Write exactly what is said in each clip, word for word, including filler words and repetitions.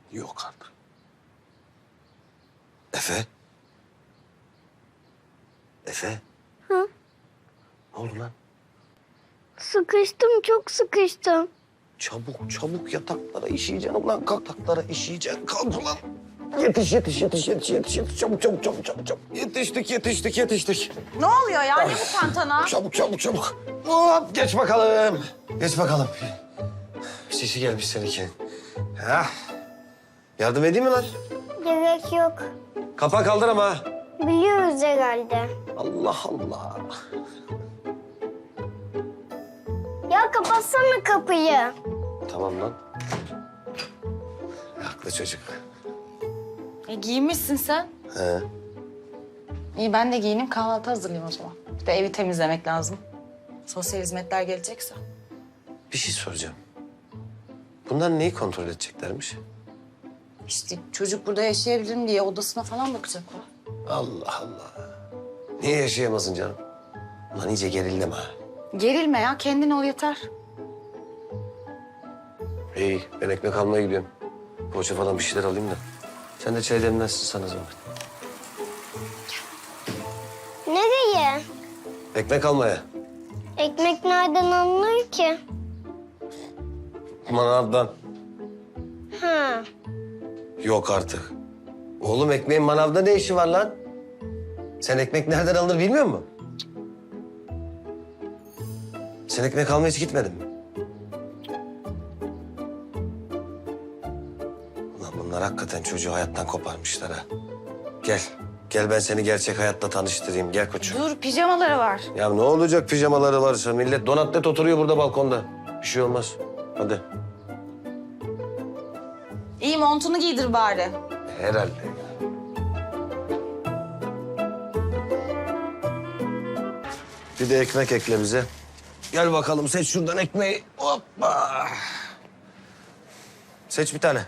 Yok artık. Efe? Efe? Hı? Ne oldu lan? Sıkıştım, çok sıkıştım. Çabuk çabuk yataklara işeyeceksin ulan. Kalk yataklara işeyeceksin. Kalk ulan. Yetiş yetiş yetiş yetiş yetiş yetiş. Çabuk çabuk çabuk çabuk çabuk. Yetiştik yetiştik yetiştik. Ne oluyor ya? Ne bu tantana? Çabuk çabuk çabuk. Hop geç bakalım. Geç bakalım. Sesi gelmiş seninki. Ha. Yardım edeyim mi lan? Gerek yok. Kapağı kaldır ama. Biliyoruz herhalde. Allah Allah. Ya kapatsana kapıyı. Tamam lan. Haklı çocuk. E, giyinmişsin sen. He. İyi ben de giyineyim kahvaltı hazırlayayım o zaman. Bir de evi temizlemek lazım. Sosyal hizmetler gelecekse. Bir şey soracağım. Bunlar neyi kontrol edeceklermiş? İşte çocuk burada yaşayabilir mi diye odasına falan bakacaklar. Allah Allah. Niye yaşayamasın canım? Ulan iyice gerildim ha. Gerilme ya kendin ol yeter. İyi ben ekmek almaya gidiyorum. Poğaça falan bir şeyler alayım da. Sen de çay demlersin sana zahmet. Nereye? Ekmek almaya. Ekmek nereden alınır ki? Manavdan. Ha. Yok artık. Oğlum ekmeğin manavda ne işi var lan? Sen ekmek nereden alınır bilmiyor musun? Sen ekmek almaya hiç gitmedin mi? Ulan bunlar hakikaten çocuğu hayattan koparmışlar ha. Gel. Gel ben seni gerçek hayatla tanıştırayım. Gel koçum. Dur pijamaları var. Ya ne olacak pijamaları varsa? Millet donatlet oturuyor burada balkonda. Bir şey olmaz. Hadi. İyi montunu giydir bari. Herhalde. Bir de ekmek ekle bize. Gel bakalım seç şuradan ekmeği. Hoppa. Seç bir tane.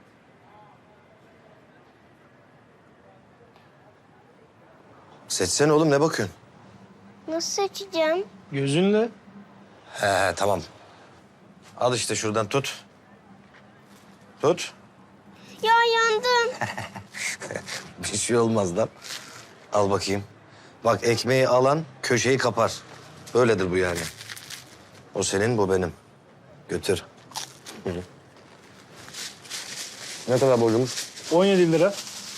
Seçsene oğlum ne bakıyorsun? Nasıl seçeceğim? Gözünle. He he tamam. Al işte şuradan tut. Tut. Ya yandım. Bir şey olmaz lan. Al bakayım. Bak ekmeği alan köşeyi kapar. Böyledir bu yani. O senin, bu benim. Götür. Hı hı. Ne kadar borcumuz? on yedi lira.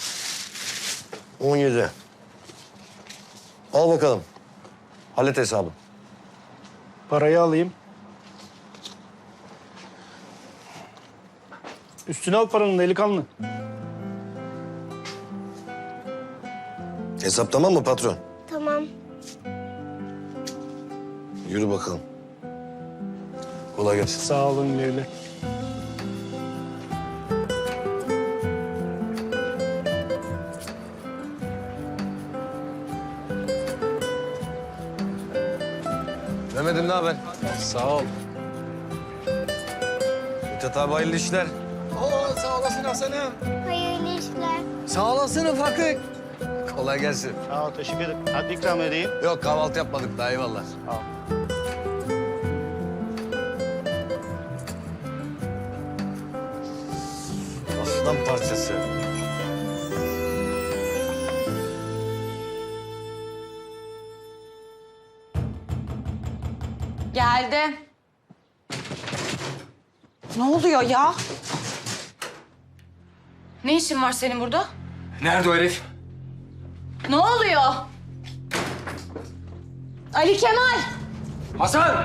on yedi. Al bakalım. Hallet hesabı. Parayı alayım. Üstüne al paranın delikanlı. Hesap tamam mı patron? Tamam. Yürü bakalım. Kolay gelsin. Sağ olun güle güle. Mehmet'im ne haber? Sağ ol. Mithat abi hayırlı işler. Oo, sağ olasın Hasan'ım. Hayırlı işler. Sağ olasın ufaklık. Kolay gelsin. Sağ ol teşekkür ederim. Hadi ikram edeyim. Yok kahvaltı yapmadık daha eyvallah. Sağ ol. Aslan parçası. Geldi. Ne oluyor ya? Ne işin var senin burada? Nerede o herif? Ne oluyor? Ali Kemal. Hasan!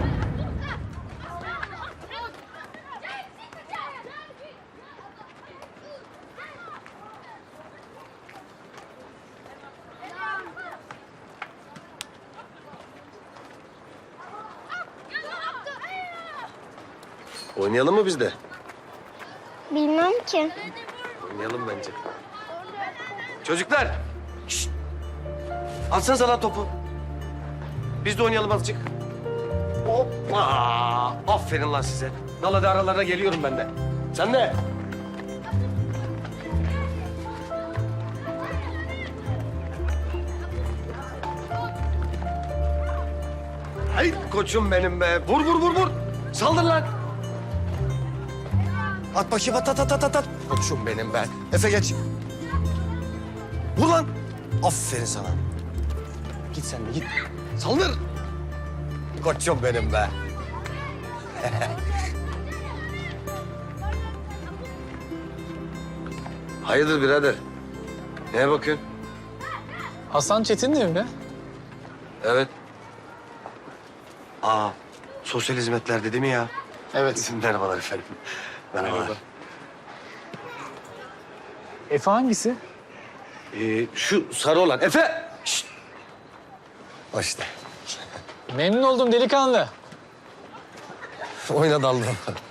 Oynayalım mı biz de? Bilmem ki. Oynayalım bence. Çocuklar! Şşt! Atsanıza lan topu. Biz de oynayalım azıcık. Hoppa! Aferin lan size. Dal hadi aralarına geliyorum ben de. Sen de. Ay koçum benim be. Vur vur vur vur. Saldır lan. At bakayım at at at at at, at. Koçum benim ben. Efe geç. Vur lan. Aferin sana. Git sen de git. Saldır. Koçum benim be. Hayırdır birader? Neye bakıyorsun? Hasan Çetin değil mi be? Evet. Aa, sosyal hizmetler dedi mi ya? Evet. Merhabalar efendim. Merhabalar. Efe hangisi? Ee, şu sarı olan. Efe! Şşt! O işte. Memnun oldum delikanlı. Oyna daldım.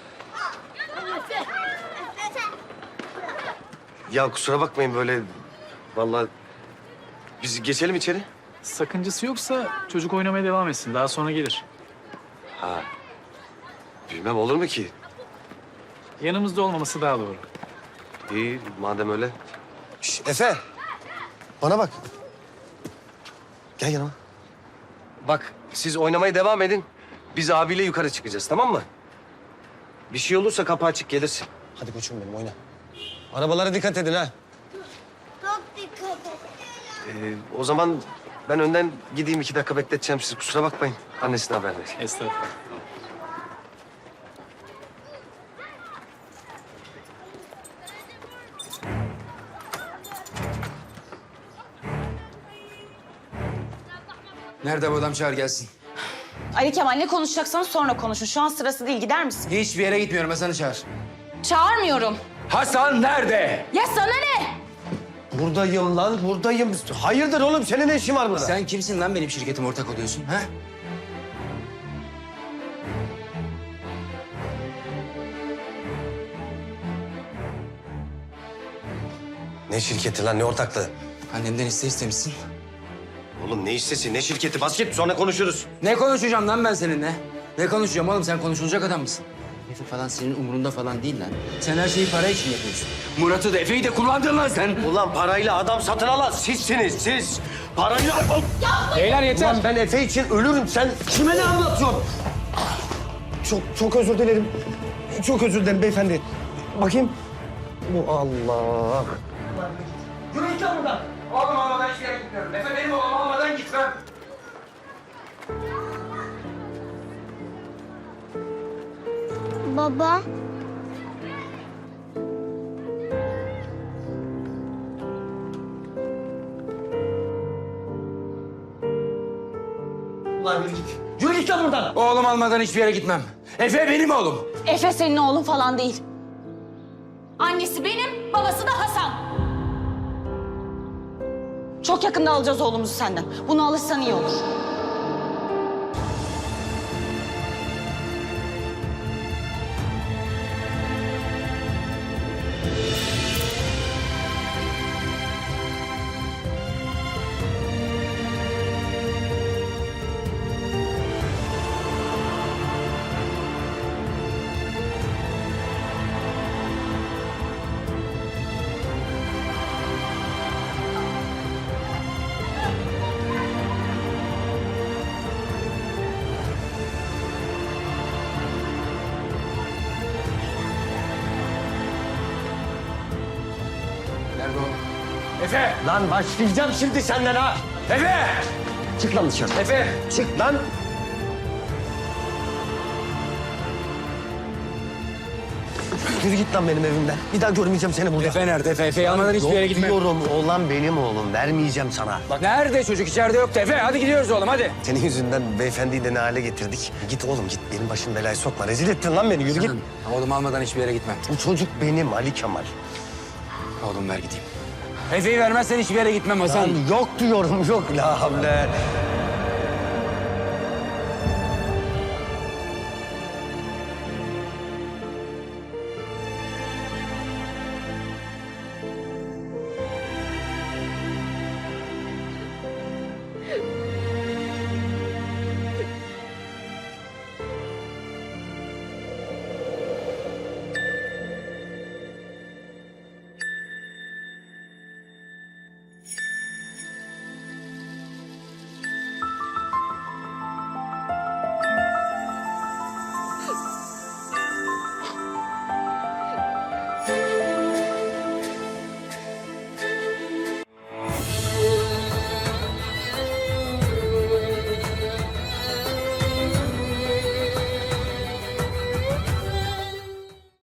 Ya kusura bakmayın böyle. Vallahi biz geçelim içeri. Sakıncası yoksa çocuk oynamaya devam etsin. Daha sonra gelir. Ha. Bilmem olur mu ki? Yanımızda olmaması daha doğru. İyi madem öyle. Şş, Efe. Bana bak. Gel yanıma. Bak siz oynamaya devam edin. Biz abiyle yukarı çıkacağız tamam mı? Bir şey olursa kapı açık gelirsin. Hadi koçum benim oyna. Arabalara dikkat edin ha. Çok dikkat et. Ee, o zaman ben önden gideyim iki dakika bekleteceğim sizi. Kusura bakmayın. Annesine haber ver. Estağfurullah. Nerede bu adam, çağır gelsin. Ali Kemal ne konuşacaksanız sonra konuşun. Şu an sırası değil, gider misin? Hiçbir yere gitmiyorum, Hasan'ı çağır. Çağırmıyorum. Hasan nerede? Ya sana ne? Buradayım lan buradayım. Hayırdır oğlum senin ne işin var burada? Sen kimsin lan benim şirketim ortak oluyorsun ha? Ne şirketi lan ne ortaklığı? Annemden iste istemişsin. Oğlum ne hissesi ne şirketi basket sonra konuşuruz. Ne konuşacağım lan ben seninle? Ne konuşacağım oğlum, sen konuşulacak adam mısın? Efe falan senin umurunda falan değil lan. Sen her şeyi para için yapıyorsun. Murat'ı da Efe'yi de kullandın lan sen. Ulan parayla adam satın alan sizsiniz siz. Parayla... Beyler yeter. Ulan ben Efe için ölürüm. Sen kime ne anlatıyorsun? Çok çok özür dilerim. Çok özür dilerim beyefendi. Bakayım. Bu Allah. Yürü git lan buradan. Oğlum olmadan hiçbir yere gitmiyorum. Efe benim oğlum olmadan gitmem. Baba. Ulan yürü git. Yürü git lan buradan. Oğlum almadan hiçbir yere gitmem. Efe benim oğlum. Efe senin oğlun falan değil. Annesi benim, babası da Hasan. Çok yakında alacağız oğlumuzu senden. Buna alışsan iyi olur. Nerede oğlum? Efe! Lan başlayacağım şimdi senden ha. Efe! Çık lan dışarı. Efe! Çık lan. Yürü git lan benim evimden. Bir daha görmeyeceğim seni burada. Efe nerede? Efe, Efe'yi almadan hiçbir yere Yok gitmem. diyorum oğlan benim oğlum. Vermeyeceğim sana. Bak nerede çocuk? İçeride yoktu Efe. Hadi gidiyoruz oğlum hadi. Senin yüzünden beyefendiyi de ne hale getirdik. Git oğlum git. Benim başım belaya sokma. Rezil ettin lan beni. Yürü git. Oğlum almadan hiçbir yere gitmem. Bu çocuk benim Ali Kemal. Oğlum ver gideyim. Efe'yi vermezsen hiçbir yere gitmem Hasan. Lan yok diyorum yok. La havle.